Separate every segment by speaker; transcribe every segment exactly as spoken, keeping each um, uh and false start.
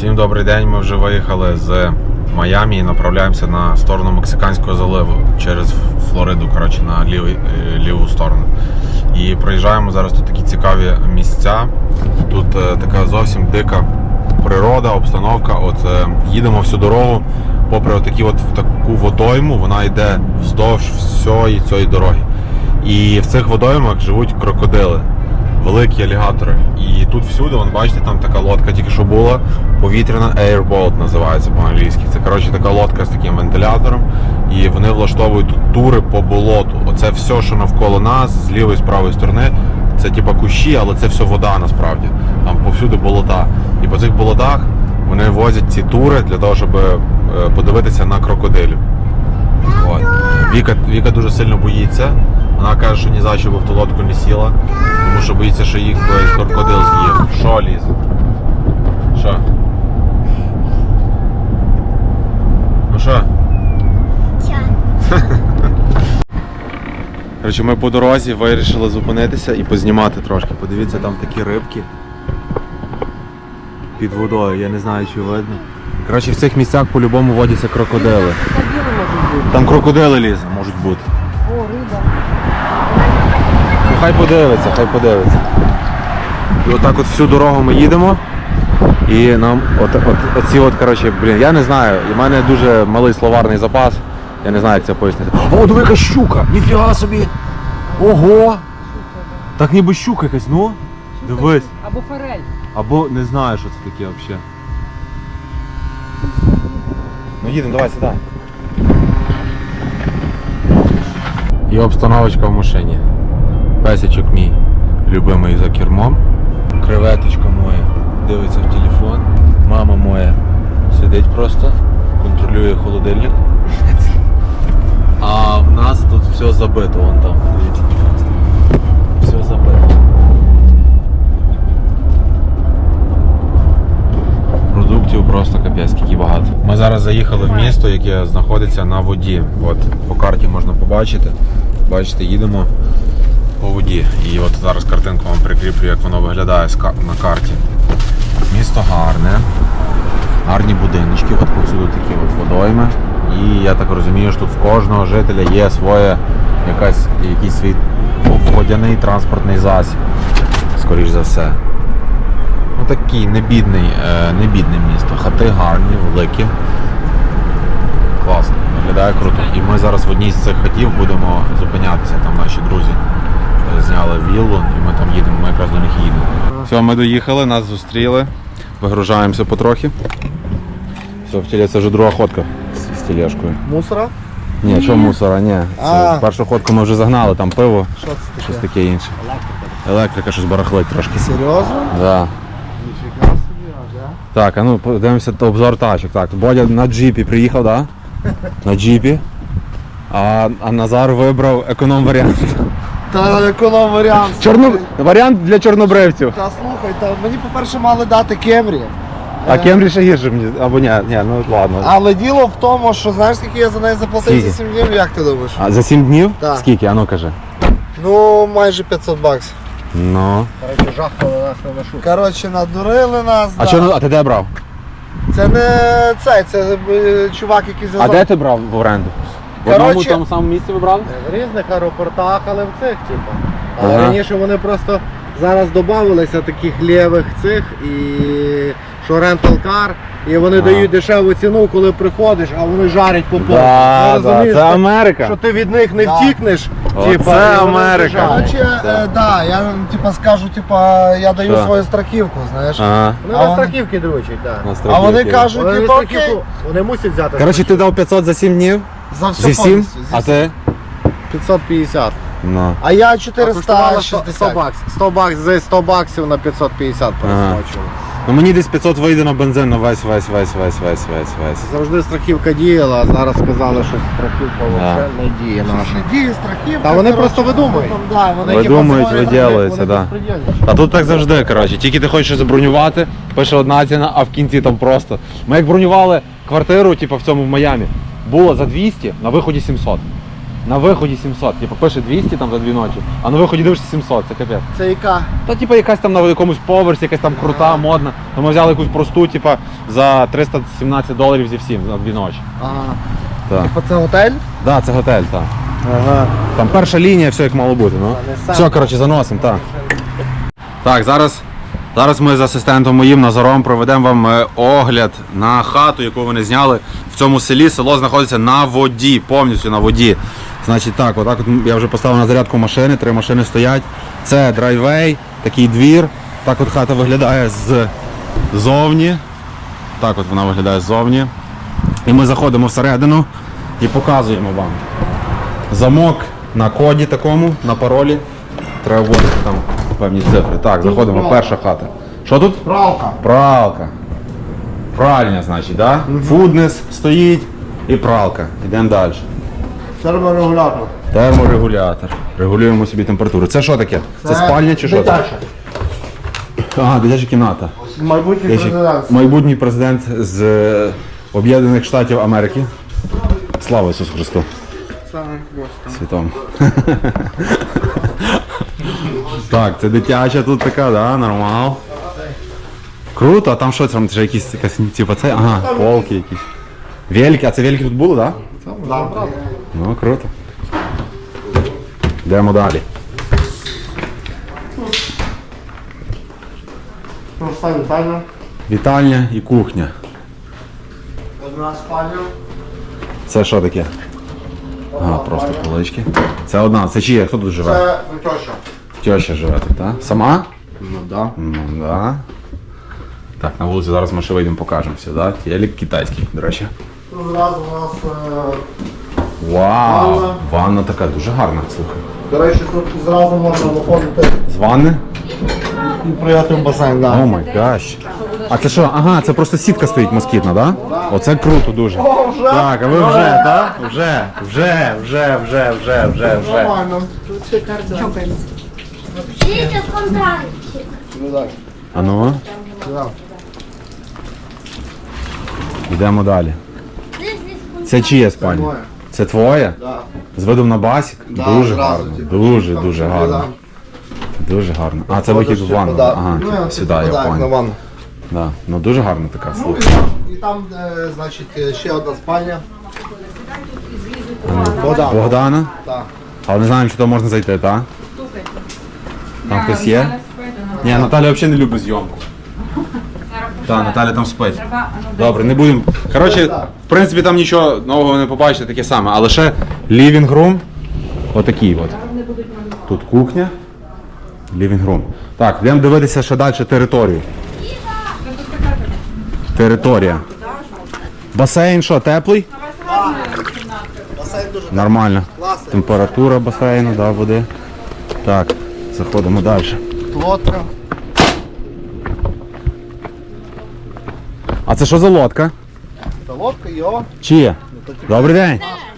Speaker 1: Всім добрий день, ми вже виїхали з Майамі і направляємося на сторону Мексиканського заливу через Флориду, коротше, на лівий, ліву сторону. І проїжджаємо зараз тут такі цікаві місця. Тут е, така зовсім дика природа, обстановка. От е, їдемо всю дорогу попри отакі от таку водойму, вона йде вздовж всієї цієї дороги. І в цих водоймах живуть крокодили, великі алігатори. І тут всюди, вон, бачите, там така лодка тільки що була, повітряна, airboat називається по-англійськи. Це, коротше, така лодка з таким вентилятором. І вони влаштовують тут тури по болоту. Оце все, що навколо нас, з лівої, з правої сторони, це типа кущі, але це все вода насправді. Там повсюди болота. І по цих болотах вони возять ці тури для того, щоб подивитися на крокодилів. От. Віка, Віка дуже сильно боїться. Вона каже, що ні за що би в ту лодку не сіла, тому що боїться, що їх би крокодил з'їв. Що, Ліз? Що? Ну що? Коротше, ми по дорозі вирішили зупинитися і познімати трошки. Подивіться, там такі рибки під водою, я не знаю, чи видно. Коротше, в цих місцях по-любому водяться крокодили. Там крокодили, Ліза, можуть бути.
Speaker 2: О, риба.
Speaker 1: Ну, хай подивиться, хай подивиться. І отак от всю дорогу ми їдемо. І нам от, от, оці от, коротше, блін, я не знаю, у мене дуже малий словарний запас. Я не знаю, як це пояснити. О, диви, яка щука! Ніфіга собі! Ого! Так ніби щука якась, ну? Дивись.
Speaker 2: Або форель.
Speaker 1: Або не знаю, що це таке взагалі. Ну їдемо, давай сідай. І обстановочка в машині. Песичок мій любимий за кермом. Креветочка моя дивиться в телефон. Мама моя сидить просто, контролює холодильник. А в нас тут все забито, вон там, дивіться, все забито. Продуктів просто капець, скільки багато. Ми зараз заїхали в місто, яке знаходиться на воді. От по карті можна побачити. Бачите, їдемо по воді. І от зараз картинку вам прикріплю, як воно виглядає на карті. Місто гарне, гарні будиночки, от повсюди такі от водойми. І я так розумію, що тут в кожного жителя є своє, якась, якийсь свій водяний транспортний засіб, скоріш за все. Ну такий небідний, не бідне місто, хати гарні, великі. Класно, виглядає круто. І ми зараз в одній з цих хатів будемо зупинятися, там наші друзі зняли віллу і ми там їдемо, ми якраз до них їдемо. Все, ми доїхали, нас зустріли, вигружаємося потрохи. Все, в тілі це вже друга ходка з, з тележкою.
Speaker 3: Мусора?
Speaker 1: Ні, чого мусора, ні. Це першу ходку ми вже загнали, там пиво,
Speaker 3: що це таке?
Speaker 1: щось таке інше.
Speaker 3: Електрика.
Speaker 1: Електрика щось барахлить трошки.
Speaker 3: Серйозно?
Speaker 1: Да.
Speaker 3: Ніфіга собі, ага.
Speaker 1: Так, а ну подивимося обзор тачок. Так, Бодя на джипі приїхав, так? Да? На джипі. А, а Назар вибрав економ-варіант.
Speaker 3: Та економ варіант.
Speaker 1: Чорно... Варіант для чорнобривців.
Speaker 3: Та слухай, та мені по-перше мали дати Кемрі.
Speaker 1: А Кемрі ще гірше мені, або ні, ні, ну ладно.
Speaker 3: Але діло в тому, що знаєш, скільки я за неї заплатив
Speaker 1: Скільки?
Speaker 3: за сім днів, як ти думаєш?
Speaker 1: А за сім днів?
Speaker 3: Так.
Speaker 1: Скільки? А ну кажи.
Speaker 3: Ну, майже п'ятсот баксів.
Speaker 1: Ну.
Speaker 3: Коротше, жахали нас на нашу. Коротше, надурили нас.
Speaker 1: А,
Speaker 3: да.
Speaker 1: чорно... а ти де брав?
Speaker 3: Це не цей, це е, чувак, який
Speaker 1: А
Speaker 3: зв'язав.
Speaker 1: де ти брав в оренду? В
Speaker 3: Коротше-
Speaker 1: одному тому самому місці ви брали?
Speaker 4: В різних аеропортах, але в цих, типу. Але
Speaker 1: Ага.
Speaker 4: раніше вони просто зараз додавалися таких лівих цих і що рентал-кар, і вони
Speaker 1: Ага.
Speaker 4: дають дешеву ціну, коли приходиш, а вони жарять по повну.
Speaker 1: Да,
Speaker 4: Ти
Speaker 1: да,
Speaker 4: розумієш,
Speaker 1: це
Speaker 4: що-
Speaker 1: Америка.
Speaker 4: що ти від них не
Speaker 3: Да.
Speaker 4: втікнеш.
Speaker 1: Оце
Speaker 4: типу, і вони
Speaker 1: Америка.
Speaker 4: біжать.
Speaker 3: Коротше, е, да, я типа скажу, типа, я даю
Speaker 1: Що?
Speaker 3: свою страхівку, знаєш.
Speaker 1: Ага.
Speaker 4: Вони
Speaker 3: А
Speaker 4: на
Speaker 3: вони-
Speaker 4: страхівки дрочать, так.
Speaker 1: На
Speaker 3: А
Speaker 1: страхівки.
Speaker 3: вони кажуть,
Speaker 4: Вони,
Speaker 3: типа,
Speaker 4: на
Speaker 3: окей,
Speaker 4: страхівку, вони мусять взяти.
Speaker 1: Коротше, ти дав п'ятсот за сім днів?
Speaker 3: за все
Speaker 1: Зі всім?
Speaker 3: повністю, зі
Speaker 1: А
Speaker 3: всім.
Speaker 1: ти?
Speaker 4: п'ятсот п'ятдесят.
Speaker 1: Ну.
Speaker 3: А я
Speaker 4: А
Speaker 3: чотириста
Speaker 4: коштувало сто
Speaker 3: шістдесят.
Speaker 4: баксів. сто баксів, за сто баксів на п'ятсот п'ятдесят пересмачували.
Speaker 1: Ну мені десь п'ятсот вийде на бензин на весь, весь, весь, весь, весь, весь, весь.
Speaker 4: Завжди страхівка діяла, а зараз сказали, що страхівка взагалі не діє наша.
Speaker 3: Діє страхівка.
Speaker 4: Та вони
Speaker 3: коротше,
Speaker 4: просто видумують.
Speaker 3: там, да, вони
Speaker 1: Видумують,
Speaker 3: типа,
Speaker 1: виділуються, так. Да. А тут так завжди, коротше, тільки ти хочеш забронювати, пише одна ціна, а в кінці там просто. Ми як бронювали квартиру, типу в цьому в Майамі, було за двісті, на виході сімсот. на виході сімсот. Типу пише двісті там за дві ночі, а на виході дивишся сімсот, це капець.
Speaker 3: Це яка?
Speaker 1: Та типу якась там на якомусь поверсі, якась там крута, модна. То ми взяли якусь просту, типу, за триста сімнадцять доларів зі всім на дві ночі.
Speaker 3: Ага.
Speaker 1: Так.
Speaker 3: Типа це готель?
Speaker 1: Да, це готель, так.
Speaker 3: Ага.
Speaker 1: Там перша лінія, все як мало бути. Ну. Все, коротше, заносимо, так. Так, зараз, зараз ми з асистентом моїм Назаром проведемо вам е, огляд на хату, яку вони зняли в цьому селі. Село знаходиться на воді, повністю на воді. Значить так, отак от я вже поставив на зарядку машини, три машини стоять. Це драйвей, такий двір. Так от хата виглядає ззовні. Так от вона виглядає ззовні. І ми заходимо всередину і показуємо вам. Замок на коді такому, на паролі. Треба вводити там певні цифри. Так, заходимо, перша хата. Що тут?
Speaker 3: Пралка.
Speaker 1: Пралка. Пральня, значить, да? Фуднес стоїть і пралка. Йдемо далі.
Speaker 3: Терморегулятор.
Speaker 1: Терморегулятор. Регулюємо собі температуру. Це що таке? Це, спальня чи що? це?
Speaker 3: Дитяча.
Speaker 1: Ага, дитяча кімната.
Speaker 3: Майбутній
Speaker 1: Я ще-
Speaker 3: президент.
Speaker 1: Майбутній президент з е, Об'єднаних Штатів Америки. Слава Ісусу Христу. Світом. Так, це дитяча тут така, да, нормал. Круто, а там що це? Там вже якісь якась, типу, це? Ага, полки якісь. Вельки, а це вельки тут були, так? Да?
Speaker 3: Да.
Speaker 1: Ну, круто. Йдемо далі.
Speaker 3: Проста вітальня.
Speaker 1: Вітальня і кухня.
Speaker 3: Одна спальня.
Speaker 1: Це що таке? Ага, просто полички. Це одна, це чия? Хто тут живе?
Speaker 3: Це теща.
Speaker 1: Теща живе тут, так? Сама?
Speaker 3: Ну да.
Speaker 1: Ну, да. Так, на вулиці зараз ми ще вийдемо, покажемо все, да? Телек китайський, до речі.
Speaker 3: Тут зразу у нас, е,
Speaker 1: Вау!
Speaker 3: Ванна.
Speaker 1: Ванна така дуже гарна, слухай.
Speaker 3: до речі, тут зразу можна виходити
Speaker 1: З ванни?
Speaker 3: і прийти в басейн.
Speaker 1: О
Speaker 3: Да.
Speaker 1: май гаш. А це що? Ага, це просто сітка стоїть москітна, да? Оце круто дуже.
Speaker 3: О, вже?
Speaker 1: Так, а ви вже, так? Вже, вже, вже, вже, вже, вже, вже.
Speaker 3: Нормально.
Speaker 2: Пишите в контакте.
Speaker 3: Ну так.
Speaker 1: А ну,
Speaker 3: Да.
Speaker 1: йдемо далі.
Speaker 2: Здесь
Speaker 1: Це чиє спальня?
Speaker 3: моє.
Speaker 1: Це твоє?
Speaker 3: Да.
Speaker 1: З видом на басік?
Speaker 3: Да,
Speaker 1: Дуже
Speaker 3: зразу,
Speaker 1: гарно.
Speaker 3: типу,
Speaker 1: Дуже,
Speaker 3: там
Speaker 1: дуже
Speaker 3: собі,
Speaker 1: гарно.
Speaker 3: да.
Speaker 1: Дуже гарно. А, це вихід в
Speaker 3: Ходиш,
Speaker 1: ванну.
Speaker 3: типу, да.
Speaker 1: Ага,
Speaker 3: Ну,
Speaker 1: сюди, я
Speaker 3: типу, так, на
Speaker 1: понял.
Speaker 3: ванну.
Speaker 1: Да. Ну дуже гарно така,
Speaker 3: Ну,
Speaker 1: слухай.
Speaker 3: і там, і там е, значить, е, ще одна спальня. Богдан.
Speaker 1: Богдана?
Speaker 3: Так.
Speaker 1: Але не знаємо, чи то можна зайти, так? Там хтось є? Ні, Наталя взагалі не любить зйомку. Так, Наталя там спить. Добре, не будемо. Коротше, в принципі, там нічого нового не побачите, таке саме, а лише living room. Отакий от. Тут кухня. Living room. Так, йдемо дивитися ще далі територію. Територія. Басейн що, теплий?
Speaker 3: Басейн дуже
Speaker 1: Нормально.
Speaker 3: класний.
Speaker 1: Температура басейну, да, води. Так, заходимо далі.
Speaker 3: Лодка.
Speaker 1: А це що за лодка?
Speaker 3: Та лодка, йо.
Speaker 1: Чиє? Добрий день.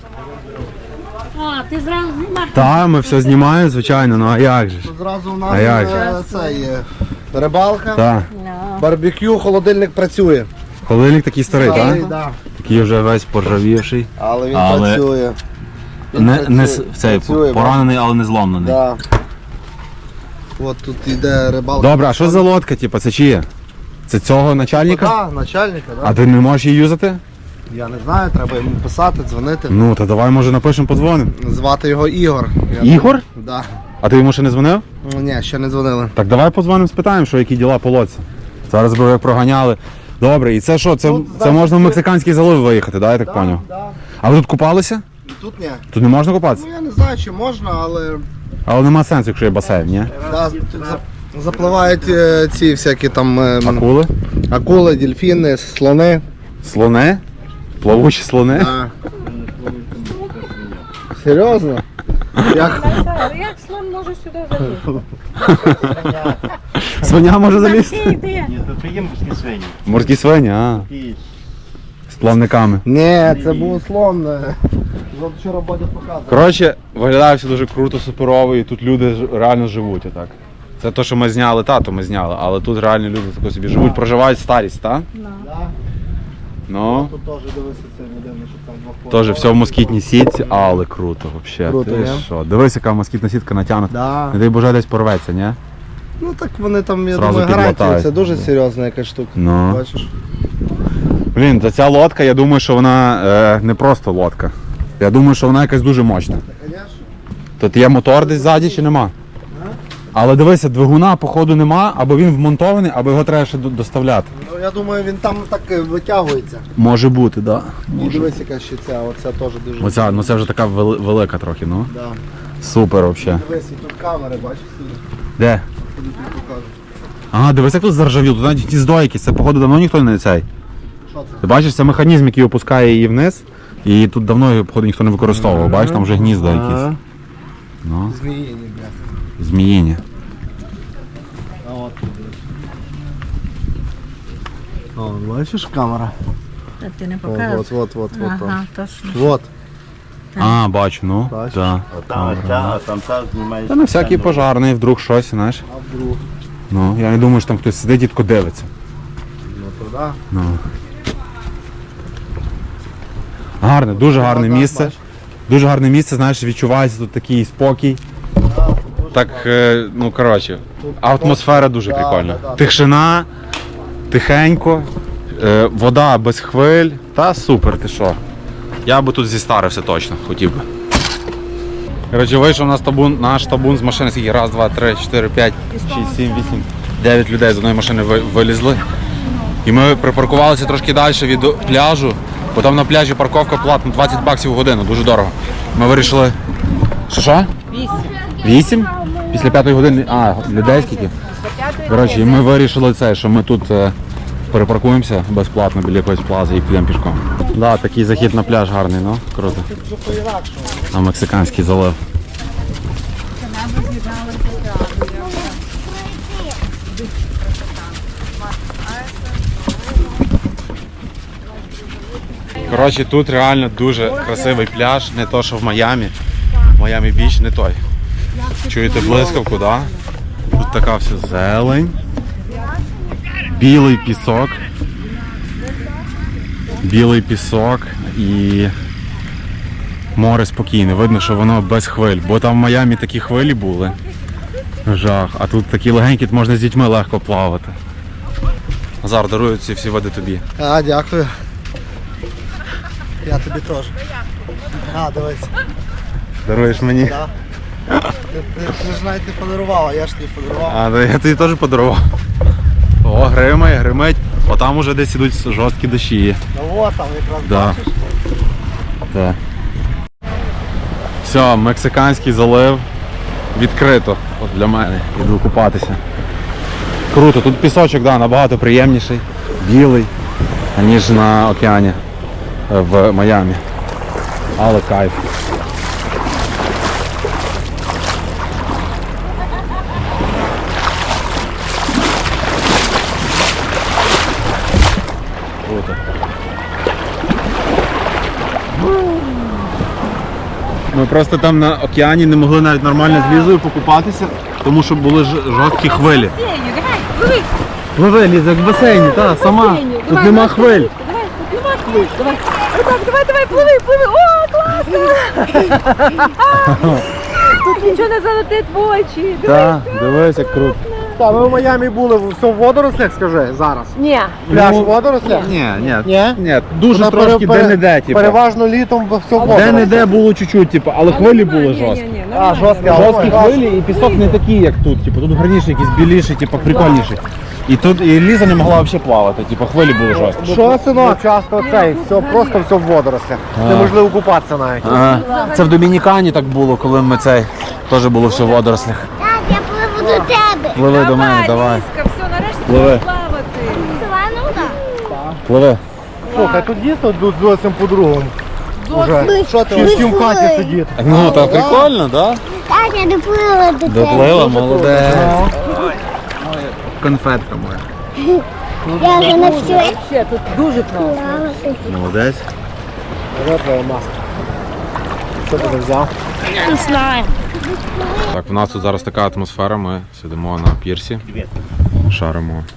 Speaker 2: А, ти зразу знімаєш.
Speaker 1: Так, ми все знімаємо, звичайно, ну а як же ж?
Speaker 3: Тут зразу у
Speaker 1: А як
Speaker 3: нас е, це є рибалка,
Speaker 1: Так.
Speaker 3: барбекю, холодильник працює.
Speaker 1: Холодильник такий старий,
Speaker 3: Старий,
Speaker 1: так?
Speaker 3: да.
Speaker 1: Такий вже весь поржавівший.
Speaker 3: Але він
Speaker 1: Але
Speaker 3: працює. Він
Speaker 1: Не,
Speaker 3: працює.
Speaker 1: не с- цей
Speaker 3: Працює,
Speaker 1: поранений, але не зломлений.
Speaker 3: Да. От тут йде рибалка.
Speaker 1: Добре, а що за лодка, типу, це чиє? Це цього начальника?
Speaker 3: Так, начальника, да.
Speaker 1: А ти не можеш її юзати?
Speaker 3: Я не знаю, треба йому писати, дзвонити.
Speaker 1: Ну, то давай, може, напишемо, подзвонимо.
Speaker 3: Звати його Ігор. Я
Speaker 1: Ігор?
Speaker 3: Да.
Speaker 1: А ти йому ще не дзвонив?
Speaker 3: Ну, ні, ще не дзвонили.
Speaker 1: Так давай подзвонимо, спитаємо, що які діла по лодці. Зараз би як проганяли. Добре, і це що? Це,
Speaker 3: Тут,
Speaker 1: це
Speaker 3: значить,
Speaker 1: можна в
Speaker 3: ви-
Speaker 1: Мексиканський залив виїхати, да, я так поняв?
Speaker 3: Да.
Speaker 1: А ви тут купалися?
Speaker 3: І тут ні.
Speaker 1: Тут не можна купатися?
Speaker 3: Ну я не знаю, чи можна, але
Speaker 1: Але нема сенсу, якщо є басейн, ні?
Speaker 3: да, тут за- запливають е, ці всякі там е, м,
Speaker 1: Акули?
Speaker 3: акули, дельфіни, слони.
Speaker 1: Слони? Плавучі слони?
Speaker 3: Да. Серйозно? Як?
Speaker 2: Як слон може сюди залізти?
Speaker 1: Свиня може залізти?
Speaker 2: Іди.
Speaker 5: Ні, тут є морські свині.
Speaker 1: Морські свині, а.
Speaker 5: І
Speaker 1: З плавниками.
Speaker 3: Ні, це був слон. е. От вчора Бодя показував.
Speaker 1: Коротше, виглядає все дуже круто, суперово, і тут люди ж- реально живуть, отак. Це те, що ми зняли, тато ми зняли, але тут реально люди тако собі живуть, проживають старість, так?
Speaker 3: Да.
Speaker 1: Ну,
Speaker 3: Тут теж дивися це людина, щоб там два
Speaker 1: теж все в москітній сітці, але круто взагалі.
Speaker 3: Круто,
Speaker 1: Ти
Speaker 3: не?
Speaker 1: що? Дивись, яка москітна сітка натягнута.
Speaker 3: Да.
Speaker 1: Не дай Боже, десь порветься, ні?
Speaker 3: Ну так вони там, я
Speaker 1: Зразу
Speaker 3: думаю, гарантія,
Speaker 1: підлатають.
Speaker 3: це дуже серйозна якась штука.
Speaker 1: Ну.
Speaker 3: Бачиш?
Speaker 1: Блін, та ця лодка, я думаю, що вона е, не просто лодка. Я думаю, що вона якась дуже мощна.
Speaker 3: Звісно.
Speaker 1: Тут є мотор десь ззаді чи нема? Але дивися, двигуна походу нема, або він вмонтований, або його треба ще до- доставляти.
Speaker 3: Ну я думаю, він там так е, витягується.
Speaker 1: Може бути, так. Да.
Speaker 3: І дивись, яка ще ця, оця теж дуже.
Speaker 1: Оця, ну це вже така вели- велика трохи, ну.
Speaker 3: Да.
Speaker 1: Супер взагалі.
Speaker 3: Дивись, і тут камери, бачиш сюди.
Speaker 1: Де?
Speaker 3: Тобі тут покажу.
Speaker 1: Ага, дивись, як тут заржавіло, тут навіть гніздо якесь, це походу давно ніхто не цей.
Speaker 3: Що це?
Speaker 1: Ти бачиш, це механізм, який опускає її вниз, і тут давно його, походу, ніхто не використовував. Бачиш, там вже гнізда якісь.
Speaker 3: Ага.
Speaker 1: Ну,
Speaker 3: Зміїні, бля.
Speaker 1: зміїні.
Speaker 3: А от тут дивись. О, бачиш камера?
Speaker 2: А ти не
Speaker 3: О,
Speaker 2: показуєш?
Speaker 3: от, от, от, от.
Speaker 2: Ага, точно.
Speaker 3: Вот.
Speaker 1: А, бачу, ну.
Speaker 3: Бачиш?
Speaker 1: Так.
Speaker 5: Там, а там та знімаєш.
Speaker 1: Та на всякий пожарний, вдруг щось, знаєш.
Speaker 3: А вдруг?
Speaker 1: Ну, я не думаю, що там хтось сидить і тако дивиться.
Speaker 3: Ну туди.
Speaker 1: Ну. Гарне, дуже гарне
Speaker 3: так,
Speaker 1: місце.
Speaker 3: бачиш.
Speaker 1: Дуже гарне місце, знаєш, відчувається тут такий спокій. Так, е, ну коротше, атмосфера дуже
Speaker 3: Да,
Speaker 1: прикольна.
Speaker 3: да, да.
Speaker 1: Тишина, тихенько, е, вода без хвиль. Та супер, ти що. Я би тут зістарився точно, хотів би. Коротше, вийшов наш табун, наш табун з машини, скільки? Раз, два, три, чотири, п'ять, шість, сім, вісім, дев'ять людей з одної машини ви- вилізли. І ми припаркувалися трошки далі від пляжу, бо там на пляжі парковка платна двадцять баксів в годину, дуже дорого. Ми вирішили. Що що? Вісім. Вісім? Після п'ятої години. А, людей скільки? Коротше, і ми вирішили це, що ми тут е, перепаркуємося безплатно біля якоїсь плази і підемо пішком. Так, да, такий захід на пляж гарний, ну, круто. На Мексиканський залив. Коротше, тут реально дуже красивий пляж, не то, що в Майамі. Майамі Біч не той. Чуєте блискавку, да? Тут така вся зелень, білий пісок, білий пісок і море спокійне. Видно, що воно без хвиль, бо там в Майамі такі хвилі були. Жах, а тут такі легенькі, тут можна з дітьми легко плавати. Назар, дарую ці всі води тобі.
Speaker 3: А, дякую. Я тобі теж. А, дивись.
Speaker 1: Даруєш мені?
Speaker 3: Да. Ти, ти, ти ж навіть не подарував, а я ж тобі подарував.
Speaker 1: А, да, я тобі теж подарував. О, гримає, гримить. Отам уже десь ідуть жорсткі дощі.
Speaker 3: Ну от там якраз
Speaker 1: Да.
Speaker 3: бачиш.
Speaker 1: Так. Все, Мексиканський залив відкрито. От для мене. Іду купатися. Круто, тут пісочок, да, набагато приємніший, білий, ніж на океані е, в Майамі. Але кайф. Круто. Ми просто там на океані не могли навіть нормально з Лізою покупатися, тому що були ж- жорсткі хвилі. Пливи, Ліза, як в басейні, та, сама. Тут нема хвиль.
Speaker 2: Давай, тут нема хвиль. Давай. Отак, давай, давай, пливи, пливи. О, класно! Тут нічого не залетить в очі.
Speaker 1: Так, дивись, як круто.
Speaker 3: Та, ми в Майамі були, все в водорослях, скажи, зараз.
Speaker 2: Ні.
Speaker 3: Пляж
Speaker 1: Ну,
Speaker 3: у водорослях?
Speaker 1: Ні, ні,
Speaker 3: Ні?
Speaker 1: ні, дуже
Speaker 3: Вона
Speaker 1: трошки
Speaker 3: пере-
Speaker 1: де-не-де, типу.
Speaker 3: Переважно літом все в водорослях.
Speaker 1: Де-не-де було чуть-чуть, типу, але хвилі були жорсткі.
Speaker 3: А, жорсткі, а
Speaker 1: Жорсткі
Speaker 3: ой,
Speaker 1: хвилі і пісок не такий, як тут. Типу, тут гарніший, якийсь біліший, типу, прикольніший. І тут і Ліза не могла взагалі плавати, типу, хвилі були жорсткі.
Speaker 3: Що, синок? Часто цей, все, просто все в водорослях. Неможливо купатися навіть.
Speaker 1: Ага. Це в Домінікані так було, коли ми цей теж було все в водорослях.
Speaker 2: Так, я пливу до тебе.
Speaker 1: Пливи до мене, давай.
Speaker 2: Ліска, все, нарешті
Speaker 1: Пливи.
Speaker 2: будеш плавати. Саванна?
Speaker 1: Пливи.
Speaker 3: Слухай, тут дійсно тут зовсім по-другому. Уже. Що ти? Чим в хаті сидіти?
Speaker 1: Ну, так прикольно, так?
Speaker 2: Так, я доплила до тебе.
Speaker 1: Доплила, молодець. Конфетка моя.
Speaker 2: Я вже навчилась. Ще тут дуже класно.
Speaker 1: Молодець.
Speaker 3: Де твоя маска? Що ти взяв?
Speaker 2: Не знаю.
Speaker 1: Так, в нас тут зараз така атмосфера, ми сидимо на пірсі, шаримо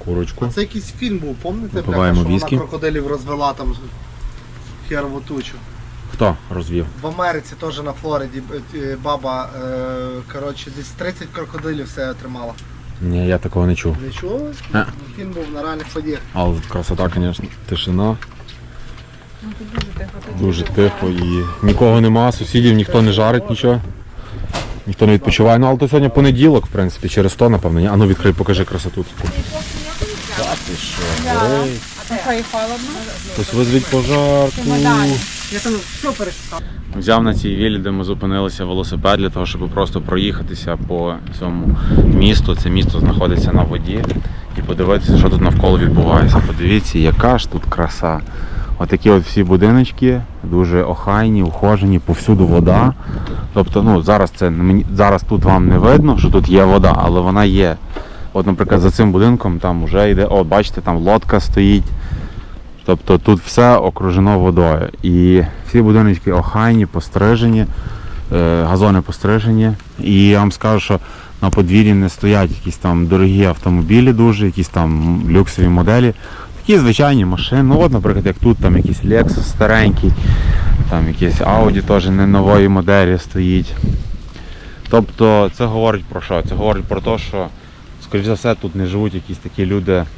Speaker 1: курочку.
Speaker 3: А це якийсь фільм був, пам'ятаєте?
Speaker 1: Випиваємо
Speaker 3: Бляха, що
Speaker 1: віскі.
Speaker 3: вона крокодилів розвела там херову тучу.
Speaker 1: Хто розвів?
Speaker 3: В Америці теж на Флориді е, баба, е, коротше, десь тридцять крокодилів все отримала.
Speaker 1: Ні, я такого не чув.
Speaker 3: Не чули?
Speaker 1: А.
Speaker 3: Фільм був на реальних подіях.
Speaker 1: Але тут красота, звісно, тишина.
Speaker 2: Ну, тут дуже тихо. Тут
Speaker 1: Дуже тихо і нікого нема, сусідів, ніхто не жарить нічого. Ніхто не відпочиває. Ну, але то сьогодні понеділок, в принципі, через то, напевно. Ні? А ну відкрий, покажи красоту. Та ти що, горить.
Speaker 2: А що, і холодно?
Speaker 1: Хтось визвіть пожарку.
Speaker 2: Я там все перешукав.
Speaker 1: Взяв на цій віллі, де ми зупинилися, велосипед для того, щоб просто проїхатися по цьому місту. Це місто знаходиться на воді. І подивитися, що тут навколо відбувається. Подивіться, яка ж тут краса. Отакі от всі будиночки, дуже охайні, ухожені, повсюду вода. Тобто, ну, зараз це мені зараз тут вам не видно, що тут є вода, але вона є. От, наприклад, за цим будинком там вже йде, о, бачите, там лодка стоїть. Тобто тут все окружено водою. І всі будиночки охайні, пострижені, е, газони пострижені. І я вам скажу, що на подвір'ї не стоять якісь там дорогі автомобілі дуже, якісь там люксові моделі. Такі звичайні машини. Ну от, наприклад, як тут там якийсь Lexus старенький, там якийсь Audi теж не нової моделі стоїть. Тобто це говорить про що? Це говорить про те, що, скоріш за все, тут не живуть якісь такі люди е,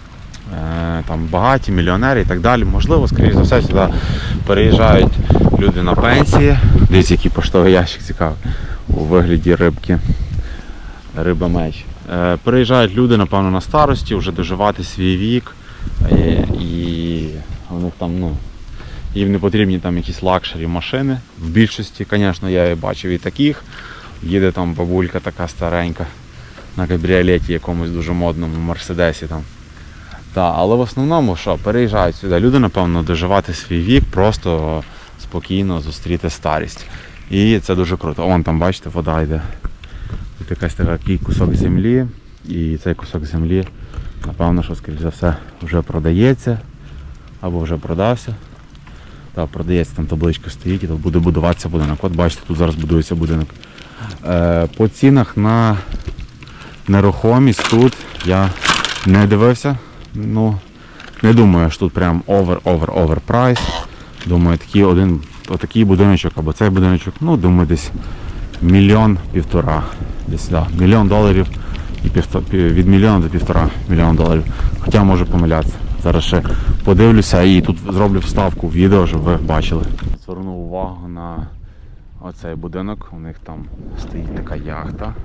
Speaker 1: там багаті, мільйонери і так далі. Можливо, скоріш за все, сюди переїжджають люди на пенсії. Дивіться, який поштовий ящик цікавий у вигляді рибки. Риба-меч. Е, переїжджають люди, напевно, на старості, вже доживати свій вік. Е, і у них там, ну, їм не потрібні там якісь лакшері машини. В більшості, звісно, я і бачив і таких. Їде там бабулька така старенька на кабріолеті якомусь дуже модному Мерседесі там. Та, але в основному що, переїжджають сюди. Люди, напевно, доживати свій вік, просто спокійно зустріти старість. І це дуже круто. Вон там, бачите, вода йде. Тут якась такий кусок землі. І цей кусок землі, напевно, що, скоріш за все, вже продається. Або вже продався. Так, продається, там табличка стоїть і тут буде будуватися будинок. От бачите, тут зараз будується будинок. Е, по цінах на нерухомість тут я не дивився. Ну, не думаю, що тут прям овер-овер-овер прайс. Думаю, такий один, отакий будиночок або цей будиночок, ну, думаю, десь мільйон-півтора. Десь, да, мільйон доларів і півтора, від мільйона до півтора мільйона доларів. Хоча можу помилятися. Зараз ще подивлюся і тут зроблю вставку в відео, щоб ви бачили. Звернув увагу на оцей будинок. У них там стоїть така яхта.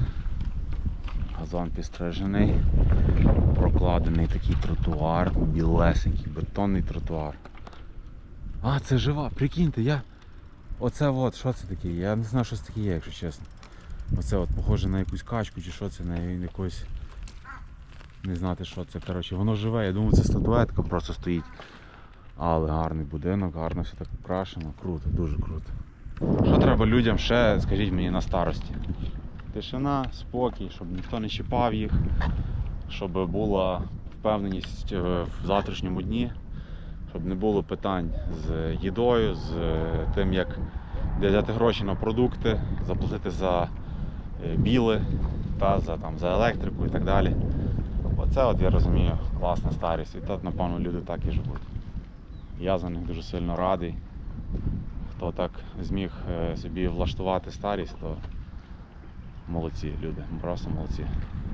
Speaker 1: Газон підстрижений. Прокладений такий тротуар, білесенький, бетонний тротуар. А, це жива, прикиньте, я... Оце от, що це таке? Я не знаю, що це таке є, якщо чесно. Оце от похоже на якусь качку чи що це, на якусь... Не знати, що це. Коротше, воно живе, я думаю, це статуетка просто стоїть. Але гарний будинок, гарно все так украшено. Круто, дуже круто. Що треба людям ще, скажіть мені, на старості? Тишина, спокій, щоб ніхто не чіпав їх, щоб була впевненість в завтрашньому дні, щоб не було питань з їдою, з тим, як де взяти гроші на продукти, заплатити за біли, та, за, там, за електрику і так далі. Оце, от, я розумію, класна старість. І тут, напевно, люди так і живуть. Я за них дуже сильно радий. Хто так зміг собі влаштувати старість, то молодці люди, просто молодці.